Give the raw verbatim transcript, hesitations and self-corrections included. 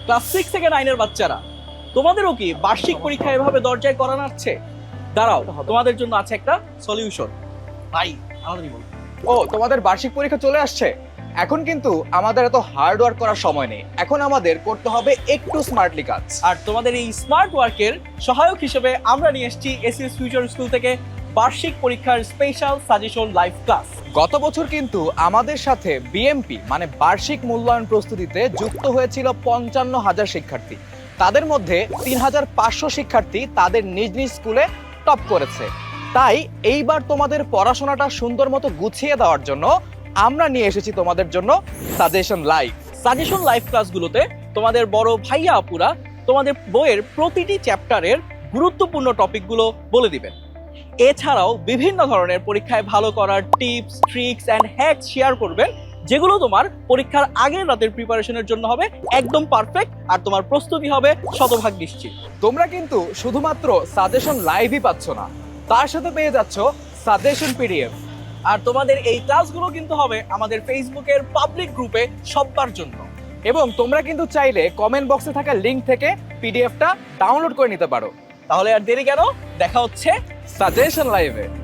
Class six থেকে নাইনের বাচ্চারা, তোমাদেরও কি বার্ষিক পরীক্ষা এভাবে দরজায় করা নাচ্ছে? দাঁড়াও, তোমাদের জন্য আছে একটা সলিউশন। ভাই আমাদেরই বল। ও, তোমাদের বার্ষিক পরীক্ষা চলে আসছে। এখন কিন্তু আমাদের এত হার্ড ওয়ার্ক করার সময় নেই, এখন আমাদের করতে হবে একটু স্মার্টলি কাজ। আর তোমাদের এই স্মার্ট ওয়ার্কের সহায়ক হিসেবে আমরা নিয়ে এসেছি এসিএস ফিউচার স্কুল থেকে বার্ষিক পরীক্ষার স্পেশাল সাজেশন লাইভ ক্লাস। গত বছর কিন্তু আমাদের সাথে বিএমপি মানে বার্ষিক মূল্যায়ন প্রস্তুতিতে যুক্ত হয়েছিল পঞ্চান্ন হাজার শিক্ষার্থী। তাদের মধ্যে তিন হাজার পাঁচশো শিক্ষার্থী তাদের নিজ নিজ স্কুলে টপ করেছে। তাই এইবার তোমাদের পড়াশোনাটা সুন্দর মতো গুছিয়ে দেওয়ার জন্য আমরা নিয়ে এসেছি তোমাদের জন্য সাজেশন লাইভ। সাজেশন লাইভ ক্লাসগুলোতে তোমাদের বড় ভাইয়া আপুরা তোমাদের বইয়ের প্রতিটি চ্যাপ্টারের গুরুত্বপূর্ণ টপিকগুলো বলে দিবেন। এছাড়াও বিভিন্ন ধরনের পরীক্ষায় ভালো করার tips, tricks and hacks share করবেন, যেগুলো তোমার পরীক্ষার আগের রাতের প্রিপারেশনের জন্য হবে একদম পারফেক্ট, আর তোমার প্রস্তুতি হবে শতভাগ নিশ্চিত। তোমরা কিন্তু শুধুমাত্র সাজেশন লাইভই পাচ্ছ না, তার সাথে পেয়ে যাচ্ছ সাজেশন পিডিএফ। আর তোমাদের এই ক্লাসগুলো কিন্তু হবে আমাদের ফেসবুকের পাবলিক গ্রুপে সবার জন্য। এবং তোমরা কিন্তু চাইলে কমেন্ট বক্সে থাকা লিংক থেকে পিডিএফটা ডাউনলোড করে নিতে পারো। তাহলে আর দেরি কেন, দেখা হচ্ছে সাজেশন লাইভে।